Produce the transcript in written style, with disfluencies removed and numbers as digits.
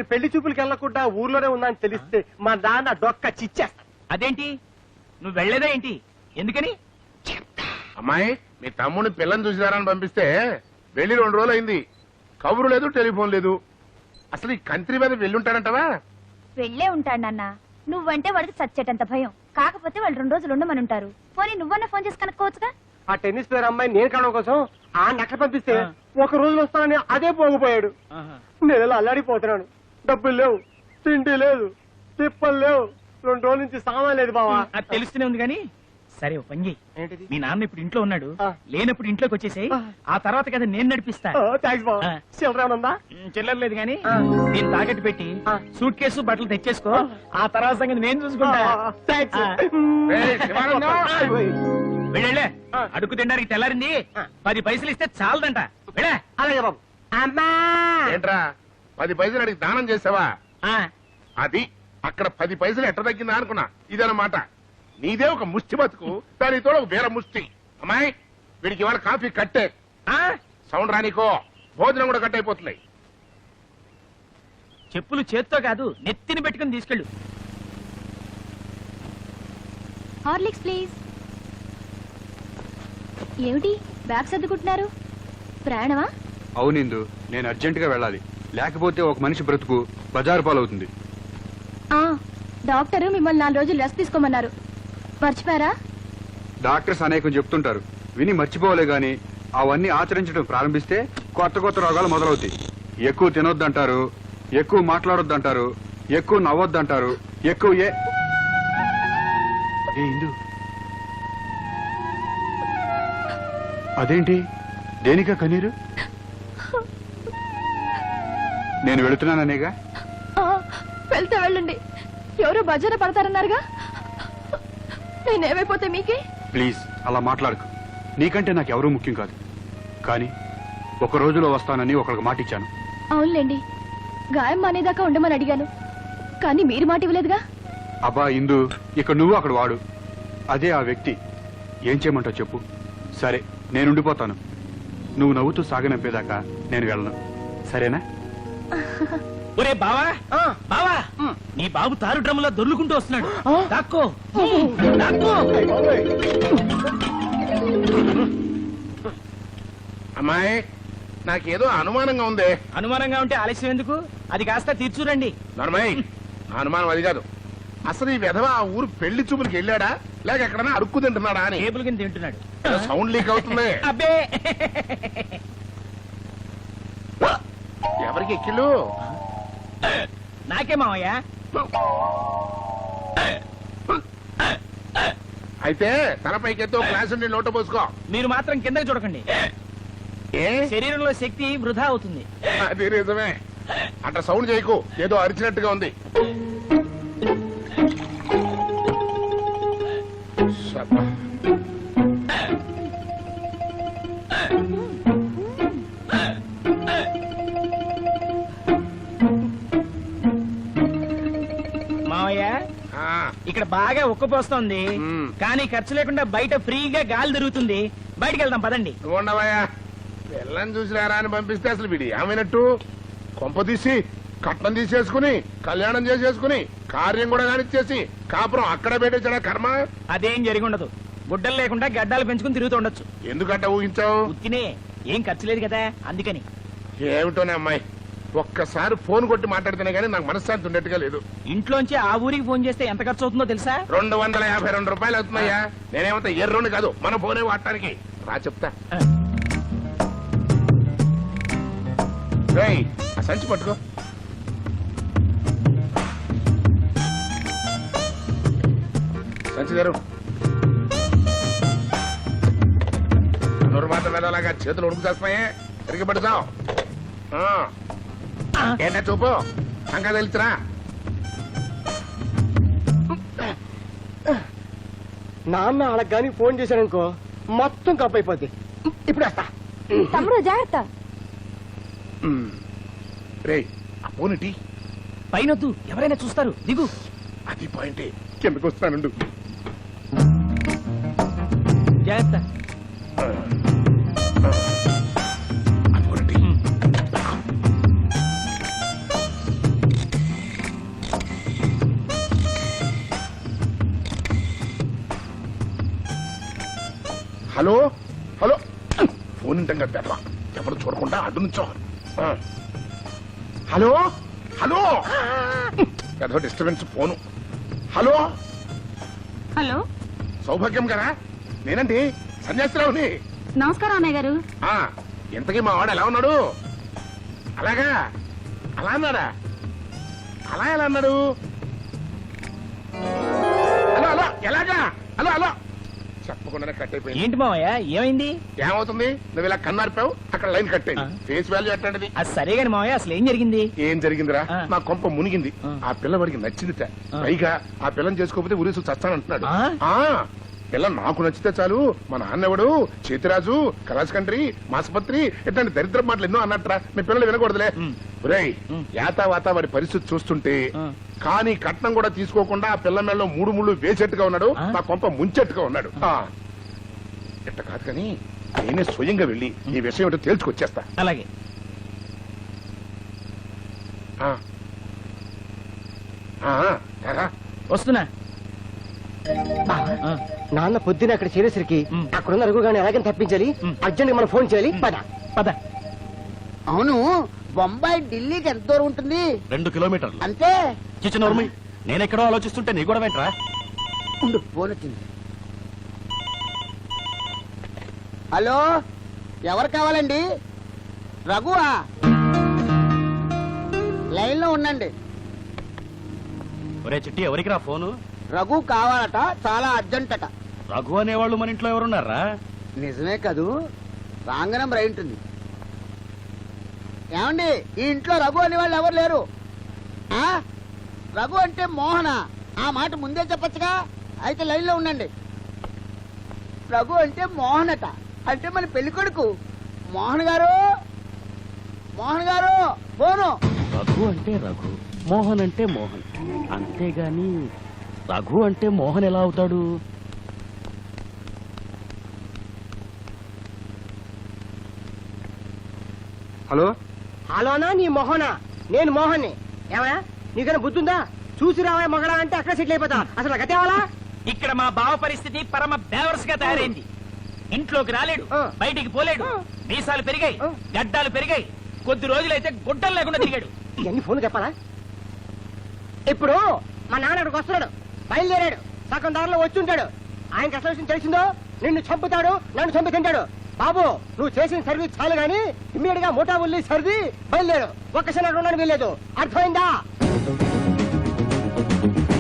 పెళ్లి చూపులకి వెళ్ళకుండా ఊర్లోనే ఉందని తెలిస్తే మా నాన్న డొక్క చిచ్చేస్తా. అదేంటి నువ్వు వెళ్లేదా ఏంటి? ఎందుకని? అమ్మాయి మీ తమ్ముని పిల్లని చూసినారని పంపిస్తే వెళ్ళి 2 రోజులు అయింది. కబురు లేదు, టెలిఫోన్ లేదు. అసలు ఈ కంట్రీ మీద వెళ్ళుంటాడంటవా? వెళ్ళే ఉంటాడు నాన్న. నువ్వంటే వాడికి చచ్చేటంత భయం. కాకపోతే వాళ్ళు 2 రోజులు ఉండమని ఉంటారు. పోనీ నువ్వన్నా ఫోన్ చేసి కనుక్కోవచ్చుగా. ఆ టెన్నిస్ ప్లేయర్ అమ్మాయి నేను కావడం కోసం ఆ నక్క పంపిస్తే ఒక రోజు వస్తానని అదే పోగిపోయాడు. నేను ఇలా అల్లాడిపోతున్నాను. డబ్బులు లేవు, తిండి లేదు, తిప్పలు లేవు. 2 రోజుల నుంచి సామాన్ లేదు బావా. అది తెలుస్తూనే ఉంది కానీ సరే ఓ పని చెయ్యి. ఏంటిది? మీ నాన్న ఇప్పుడు ఇంట్లో ఉన్నాడు, ఆ. లేనప్పుడు ఇంట్లోకి వచ్చేసాయి. ఆ తర్వాత కదా నేను నడిపిస్తా. థ్యాంక్స్ బావా. ఆ. చిల్లరేమనుందా? చిల్లర్లేదు గాని ఆ. నేను తాకట్టు పెట్టి ఆ. సూట్ కేసు బట్టలు తెచ్చేసుకో. ఆ తర్వాత సంగతి నేను చూసుకుంటా. థ్యాంక్స్. ఆ. ఏయ్, శివానందం! వెళ్ళే ఆ. అడుగు తినడానికి తెల్లారింది. ఆ. 10 పైసలు ఇస్తే చాలదంట. వెళ్ళే. అలాగే బాబు. అమ్మా ఏంట్రా 10 పైసలు అడిగి దానం చేసావా? ఆ. అది అక్కడ 10 పైసలు ఎట్ట తగ్గిందా అనుకున్నా. ఇదన్నమాట. నీదే ఒక ముష్టి బతుకు, దానితో ఒక వేరే ముష్టి. అమ్మాయి వీడికి ఇవాళ కాఫీ కట్టే. ఆ? సౌండ్ రానికో, భోజనం కూడా కట్ అయిపోతున్నాయి. చెప్పులు చేత్తో కాదు నెత్తిని పెట్టుకుని తీసుకెళ్ళు. Horlicks please. ఏమిటి బ్యాగ్ సర్దుకుంటున్నారు? ప్రయాణమా? అవునిందు, నేను అర్జెంటుగా వెళ్ళాలి. లేకపోతే ఒక మనిషి బ్రతుకు బజారు పాలవుతుంది. డాక్టర్ మిమ్మల్ని 4 రోజులు రెస్ట్ తీసుకోమన్నారు. మర్చిపోయారా? డాక్టర్స్ అనేకం చెప్తుంటారు, విని మర్చిపోలే గాని అవన్నీ ఆచరించడం ప్రారంభిస్తే కొత్త కొత్త రోగాలు మొదలవుతాయి. ఎక్కువ తినొద్దంటారు, ఎక్కువ మాట్లాడొద్దంటారు, ఎక్కువ నవ్వొద్దంటారు, ఎక్కువ ఏ ఇందు అదేంటి? దేనికా కన్నీరు? నేను వెళుతున్నాననేగా. వెళ్తే వెళ్ళండి. ఎవరో బజారు పడతారన్నారుగా. నేనేమైపోతే మీకే? ప్లీజ్ అలా మాట్లాడకు. నీకంటే నాకెవరూ ముఖ్యం కాదు. కానీ ఒక రోజులో వస్తానని ఒకరికి మాట ఇచ్చాను. అవునులేండి, గాయం మానేదాకా ఉండమని అడిగాను. కానీ మీరు మాట ఇవ్వలేదుగా. అబ్బా ఇందు, ఇక్కడ నువ్వు అక్కడ వాడు. అదే ఆ వ్యక్తి. ఏం చేయమంటావు చెప్పు. సరే నేనుండిపోతాను. నువ్వు నవ్వుతూ సాగనంపేదాకా నేను వెళ్ళను. సరేనా? ఒరే బావా, బావా, నీ బాబు తారు డ్రమ్ములో దొర్లుకుంటూ వస్తున్నాడు. దాక్కో, దాక్కో. అమ్మాయి నాకేదో అనుమానంగా ఉంది. అనుమానంగా ఉంటే ఆలస్యం ఎందుకు? అది కాస్త తీర్చురండి. నర్మయ్, నా అనుమానం అది కాదు. అసలు ఈ విధవ ఆ ఊరు పెళ్లి చూపులకి వెళ్ళాడా లేక ఎక్కడన్నా అడుక్కు తింటున్నాడా అని. టేబుల్ కింద తింటున్నాడు. ఏదో సౌండ్ లీక్ అవుతుంది. అబ్బే, ఎవరికి ఎక్కిళ్ళు? నాకే మావయ్య. అయితే తలపైకి ఎత్తో గ్లాస్ ఉండి నోట పోసుకో. మీరు మాత్రం కిందకి చూడకండి. ఏ శరీరంలో శక్తి వృధా అవుతుంది. అది నిజమే. అట్లా సౌండ్ చేయకు, ఏదో అరిచినట్టుగా ఉంది. శబ్బా. మావయ్య, ఆ, ఇక్కడ బాగా ఉక్కపోస్తోంది. మ్మ్. కానీ ఖర్చు లేకుండా బయట ఫ్రీగా గాలి తిరుగుతుంది. బయటికి వెళ్దాం పదండి. నువ్వు ఉండవయ్యా. పిల్లని చూసినారా అని పంపిస్తే అసలు వీడి ఏమైనట్టు? కొంప తీసి కట్నం తీసేసుకుని కళ్యాణం చేసేసుకుని కార్యం కూడా కానిచ్చేసి కాపురం అక్కడే పెట్టేసాడా కర్మ. అదేం జరిగి ఉండదు. గుడ్డలు లేకుండా గడ్డాలు పెంచుకుని తిరుగుతూ ఉండొచ్చు. ఎందుకంట ఊహించావు? ఉత్తినే, ఏం ఖర్చు లేదు కదా అందుకని. ఏమిటోనే అమ్మాయి, ఒక్కసారి ఫోన్ కొట్టి మాట్లాడితేనే గానీ నాకు మనశ్శాంతి ఉండేట్టుగా లేదు. ఇంట్లోంచి ఆ ఊరికి ఫోన్ చేస్తే ఎంత ఖర్చు అవుతుందో తెలుసా? 252 రూపాయలు అవుతున్నాయా? నేనేమంతా ఎర్రోని కాదు, మన ఫోనే వాడటానికి. రా చెప్తా. రేయ్, ఆ సంచి పట్టుకో. సంచి గారు నూరు మాత్రం వెళ్ళలాగా చేతులు ఉడుకు చేస్తున్నాయే, తిరిగి పడుతావు. ఏంటా చూపు, అంకా తెలుసురా. నాన్న వాళ్ళకి కానీ ఫోన్ చేశాడనుకో మొత్తం కప్ అయిపోద్ది. ఇప్పుడు వస్తా. తమ్ముడు జాగ్రత్త. రే ఆ ఫోన్ పైనొద్దు, ఎవరైనా చూస్తారు. దిగు. అది పాయింటే, కిందకు వస్తానుండు. జాగ్రత్త. హలో హలో ఫోన్ ఇంటంగా పెద్దవా ఎవరు చూడకుండా అడ్డు నుంచో హలో హలో పెద్ద disturbance phone hello hello Saubhagyam గారా నేనండి సన్యాసిరావుని నమస్కారం అన్నయ్య గారు. ఇంతకీ మా వాడు ఎలా ఉన్నాడు? అలాగా అలా అన్నాడా? అలా ఎలా అన్నాడు? హలో హలో ఎలాగా హలో హలో చెప్పకుండానే కట్ అయిపోయింది. ఏంటి మావయ్య ఏమైంది? ఏమవుతుంది? నువ్వు ఇలా కన్నార్పావు, అక్కడ లైన్ కట్ అయింది. ఫేస్ వాల్యూ ఎట్లాంటిది? అది సరే గాని మావయ్య అసలు ఏం జరిగింది? ఏం జరిగిందిరా? ఆ. నా కొంప మునిగింది. ఆ పిల్లవాడికి నచ్చిందిట. పైగా ఆ పిల్లని చేసుకోకపోతే ఉరేసు చస్తానంటున్నాడు. ఆ? పిల్ల నాకు నచ్చితే చాలు మా నాన్నెవడు చేతిరాజు కళాశకండ్రి మాసపత్రి ఇట్లాంటి దరిద్ర మాటలు ఎన్నో అన్నట్రా. మీ పిల్లలు వినకూడదులే. ఒరేయ్ యాతావాత వాడి పరిస్థితి చూస్తుంటే కానీ కట్నం కూడా తీసుకోకుండా ఆ పిల్ల మెళ్ళలో 3 ముళ్ళు వేసేట్టుగా ఉన్నాడు. నా కొంప ముంచెట్టుగా ఉన్నాడు. ఇట్ట కాదు కానీ నేనే స్వయంగా వెళ్ళి ఈ విషయం ఏంటో తేల్చుకొచ్చేస్తా. అలాగే ఆ. రారా. వస్తున్నా. ఆ, నాన్న పొద్దున అక్కడ చేరేసరికి అక్కడున్న అరుగుగాని ఎలాగని తప్పించాలి. అర్జెంట్ గా మనం ఫోన్ చేయాలి. పద పద. అవును బొంబాయి ఢిల్లీకి ఎంత దూరం ఉంటుంది? 2 కిలోమీటర్లు. అంతే. చిచ్చనోర్మి నేనెక్కడో ఆలోచిస్తుంటే నీ కూడా వెంట్రా. ఉండు ఫోన్ వచ్చింది. హలో ఎవరు కావాలండి? రఘువా? లైన్ లో ఉండండి. ఒరే చిట్టి ఎవరికి రా ఫోను? రఘు కావాలట, చాలా అర్జెంట్ అట. రఘు అనేవాళ్ళు మన ఇంట్లో ఎవరున్నారా? నిజమే కదూ, రాంగ్ నెంబర్ అయి ఉంటుంది. ఏమండి ఈ ఇంట్లో రఘు అనే వాళ్ళు ఎవరు లేరు. ఆ రఘు అంటే మోహన, ఆ మాట ముందే చెప్పచ్చుగా. అయితే లైన్ లో ఉండండి. రఘు అంటే మోహన్ అట, అంటే మన పెళ్లి కొడుకు. మోహన్ గారు, మోహన్ గారు ఫోను. రఘు అంటే రఘు, మోహన్ అంటే మోహన్. అంతేగాని రఘు అంటే మోహన్ ఎలా అవుతాడు? హలో హలోనా నీ మొహనా? నేను మోహన్ని. ఏమయ్యా నీకైనా బుద్ధుందా? చూసి రావా మగడా అంటే అక్కడ సెటిల్ అయిపోతా. అసలు గతేవాలా? ఇక్కడ మా బావ పరిస్థితి పరమ బేవర్స్ గా తయారైంది. ఇంట్లోకి రాలేడు, బయటికి పోలేడు. మీసాలు పెరిగాయి, గడ్డాలు పెరిగాయి. కొద్ది రోజులైతే గుడ్డలు లేకుండా తిరిగాడు. ఇవన్నీ ఫోన్ చెప్పాలా? ఇప్పుడు మా నాన్న అక్కడికి వస్తున్నాడు, బయలుదేరాడు. సగం దారిలో వచ్చి ఉంటాడు. ఆయనకి అసలు విషయం తెలిసిందో నిన్ను చంపుతాడు, నన్ను చంపి తింటాడు. బాబు నువ్వు చేసిన సర్వీస్ చాలు గాని ఇమ్మీడియట్ గా మోటా ఉల్లి సర్ది బయలుదేరు. ఒక్కసారి ఉండడానికి వీల్లేదు. అర్థమైందా?